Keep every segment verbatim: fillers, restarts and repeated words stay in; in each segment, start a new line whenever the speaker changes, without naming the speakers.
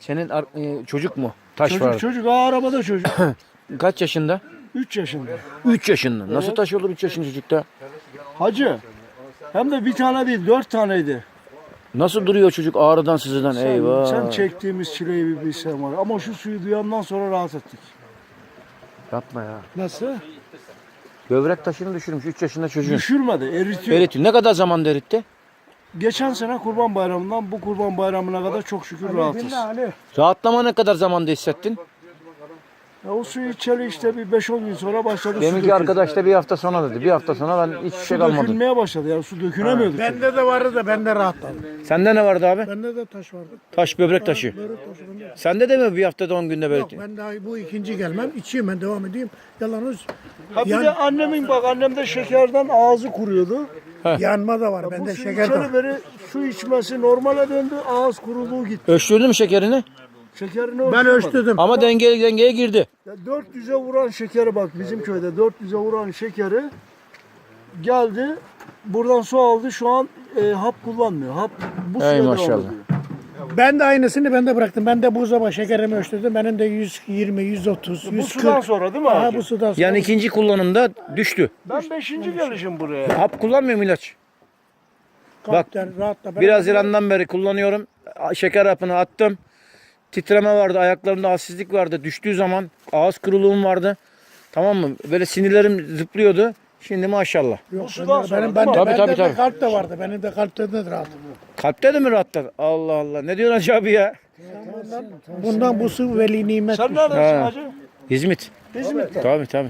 Senin ar- e, çocuk mu? Taş
Çocuk
var.
çocuk. Aa, arabada çocuk.
Kaç yaşında?
üç yaşında.
üç yaşında. Nasıl
Evet.
taş olur üç yaşında çocukta?
Hacı. Hem de bir tane değil dört taneydi.
Nasıl duruyor çocuk ağrıdan sızıdan?
Sen,
Eyvah.
sen çektiğimiz çileyi bir bilsen var. Ama şu suyu duyandan sonra rahat ettik.
Yapma ya.
Nasıl?
Böbrek taşını düşürmüş üç yaşında çocuğun.
Düşürmedi, eritiyor.
Eritiyor. Ne kadar zamanda eritti?
Geçen sene Kurban Bayramı'ndan bu Kurban Bayramı'na kadar çok şükür rahatız.
Rahatlama ne kadar zamanda hissettin?
Ya o suyu içeli işte bir beş on gün sonra başladı su
Deminki
dökülmeye.
arkadaş da bir hafta sonra dedi. Bir hafta sonra ben hiçbir şey
Su
kalmadı.
dökülmeye başladı ya su dökülemiyorduk.
Bende de vardı da ben de rahatladım.
Sende ne vardı abi?
Bende de taş vardı.
Taş böbrek taşı.
Börek taşı bende.
Sende de mi bir haftada on günde böyle?
Yok ben daha bu ikinci gelmem. İçeyim ben devam edeyim. Yalanız
Ha bir
yan,
de annemin bak annem de şekerden ağzı kuruyordu.
yanma da var.
Bu
Bende
su
şeker de var.
içeri beri su içmesi normale döndü ağız kuruluğu gitti.
Ölçtürdün mü şekerini?
Şekerini
Ben
ölçtürmedim.
ölçtüm.
Ama dengeye dengeye girdi.
Ya dört yüze vuran şekeri bak bizim köyde dört yüze vuran şekeri geldi. Buradan su aldı şu an e, hap kullanmıyor. Hap bu suya
Ey
devam
maşallah.
ediyor.
Ben de aynısını ben de bıraktım. Ben de buzdolabı şekerimi ölçtüm. Benim de yüz yirmi, yüz otuz,
Bu
yüz
sudan
kırk.
sonra değil mi
Aha,
abi?
bu sudan sonra.
Yani ikinci kullanımda düştü.
Ben beşinci gelişim buraya.
Hap kullanmıyor mu ilaç?
Kalpten, rahatla. Ben
Bir
de-
Haziran'dan beri kullanıyorum. Şeker hapını attım. Titreme vardı, ayaklarımda halsizlik vardı. Düştüğü zaman ağız kuruluğum vardı. Tamam mı? Böyle sinirlerim zıplıyordu. Şimdi maşallah.
Yok,
Bu sudan
bende-
sonra
benim,
değil mi?
bende,
Tabii,
bende
tabii,
de
tabii.
kalp de vardı. Benim de kalpte de rahat.
Kalpte de mi rahatladı? Allah Allah. Ne diyorsun Hacı abi ya?
Bundan bu su veli nimet.
Sen neredesin
Ha.
hacı?
İzmit.
İzmit'te.
Tabii tabii.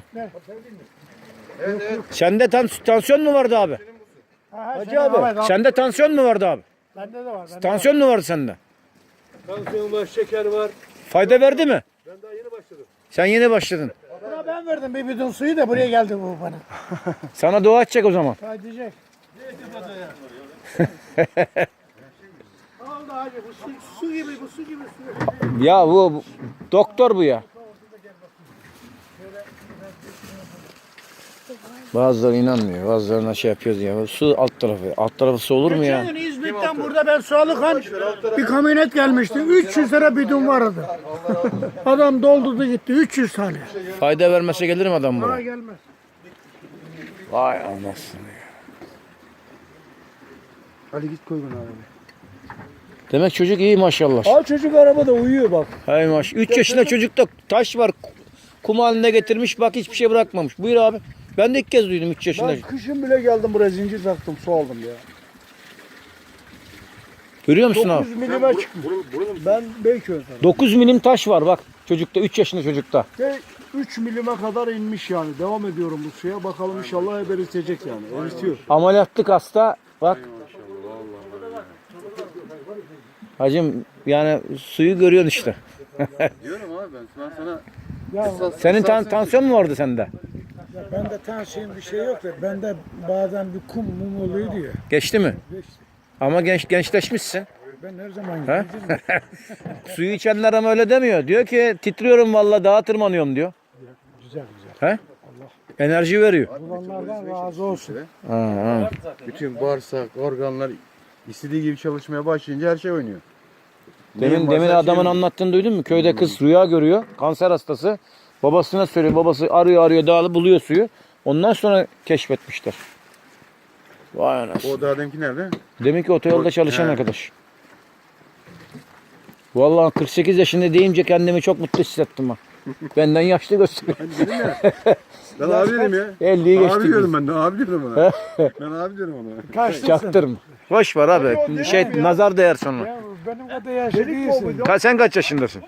Sende tan tansiyon mu vardı abi?
Hacı abi.
Sende tansiyon mu vardı abi?
Bende de var. Bende
Tansiyon mu vardı sende?
Tansiyon var, şeker var.
Fayda verdi mi?
Ben daha yeni başladım.
Sen yeni başladın.
Buna ben verdim bir bidon suyu da buraya geldi bu bana.
Sana dua edecek o zaman.
Hadi diyecek. Oldu hacı bu su, su gibi bu su gibi su.
Ya bu, bu doktor bu ya. Bazıları inanmıyor. Bazılarına şey yapıyoruz ya. Su alt tarafı. Alt tarafı su olur mu ya?
Geçen gün İzmit'ten burada ben su alırken bir kamyonet gelmişti. üç yüz lira bidon vardı. Adam doldurdu gitti üç yüz tane.
Fayda vermese gelir mi adam
Bana
buraya?
gelmez.
Vay anasını ya.
Ali git koy bunu arabaya.
Demek çocuk iyi maşallah.
Aa çocuk arabada uyuyor bak.
Hay maş. üç yaşında çocukta taş var. Kum haline getirmiş. Bak hiçbir şey bırakmamış. Buyur abi. Ben de ilk kez duydum üç yaşında.
Ben kışın bile geldim buraya zincir taktım su aldım ya.
Görüyor musun abi?
dokuz milime çıkmış. Ben Beyköy'den.
dokuz milim taş var bak. Çocukta üç yaşında çocukta.
Ve üç milime kadar inmiş yani. Devam ediyorum bu suya. Bakalım inşallah hep eritecek yani. Eritiyor.
Ameliyatlık hasta. Bak. Hacım yani suyu görüyorsun işte.
Diyorum abi ben, ben sana
Ya
Senin tan tansiyon mu vardı sende?
bende tansiyon bir şey yok da bende bazen bir kum mum oluyor diyor.
Geçti mi? Ama genç gençleşmişsin.
Ben her zaman
He?
gidiyorum.
Suyu içenler ama öyle demiyor. Diyor ki titriyorum vallahi dağa tırmanıyorum diyor.
Güzel güzel.
He? Enerji veriyor.
Olanlardan razı olsun.
Ha, ha.
bütün bağırsak, organlar istediği gibi çalışmaya başlayınca her şey oynuyor.
Demin
Neyin
demin
varsa her
adamın
şey
anlattığını duydun mu? Köyde kız rüya görüyor. Kanser hastası. Babasına söylüyor. Babası arıyor arıyor dağılı buluyor suyu. Ondan sonra keşfetmişler. Vay anasını.
O daha deminki nerede?
Demek ki otoyolda çalışan
He.
arkadaş. Vallahi kırk sekiz yaşında deyince kendimi çok mutlu hissettim ha. Benden yaşlı gösteriyor.
Ben abi dedim ya.
elliyi geçti.
Abi diyorum ben de abi diyorum ona. ben abi diyorum ona.
Kaçlısın?
Çaktırma. Boş var abi. Şey nazar değer sonra.
Ya benim kadar yaşlı değilsin.
Ka- sen kaç yaşındasın?